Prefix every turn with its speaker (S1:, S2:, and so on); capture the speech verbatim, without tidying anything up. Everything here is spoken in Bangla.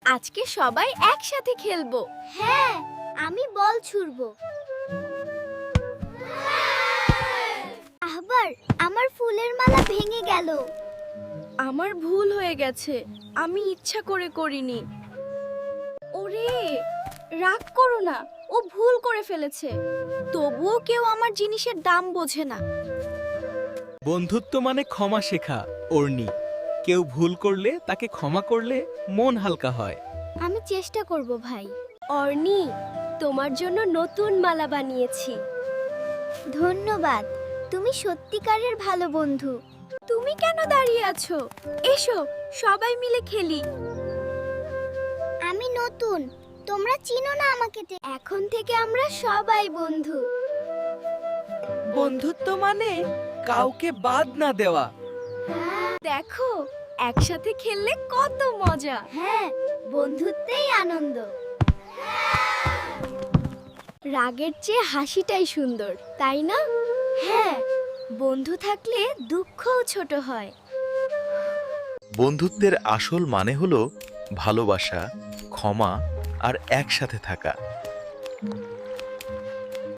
S1: আজকে সবাই একসাথে খেলবো।
S2: হ্যাঁ, আমি বল ছুড়বো। আবার আমার ফুলের মালা ভেঙে গেল।
S1: আমার ভুল হয়ে গেছে, আমি ইচ্ছা করে করিনি। ওরে, রাগ করো না, ও ভুল করে ফেলেছে। তবুও কেউ আমার জিনিসের দাম বোঝে না।
S3: বন্ধুত্ব মানে ক্ষমা শেখা, অর্নি। কেউ ভুল করলে তাকে ক্ষমা করলে মন হালকা হয়।
S2: আমি চেষ্টা করব ভাই।
S1: অর্নি, তোমার জন্য নতুন মালা বানিয়েছি।
S2: ধন্যবাদ, তুমি সত্যিকারের ভালো বন্ধু।
S1: তুমি কেন দাঁড়িয়ে আছো? এসো, সবাই মিলে খেলি।
S2: আমি নতুন, তোমরা চিনো না আমাকে।
S1: এখন থেকে আমরা সবাই বন্ধু।
S3: বন্ধুত্ব মানে কাউকে বাদ না দেওয়া।
S1: দেখো, একসাথে খেললে কত মজা।
S2: হ্যাঁ, বন্ধুত্বেই আনন্দ।
S1: রাগের চেয়ে হাসিটাই সুন্দর, তাই না? হ্যাঁ, বন্ধু থাকলে দুঃখও ছোট হয়।
S4: বন্ধুত্বের আসল মানে হলো ভালোবাসা, ক্ষমা আর একসাথে থাকা।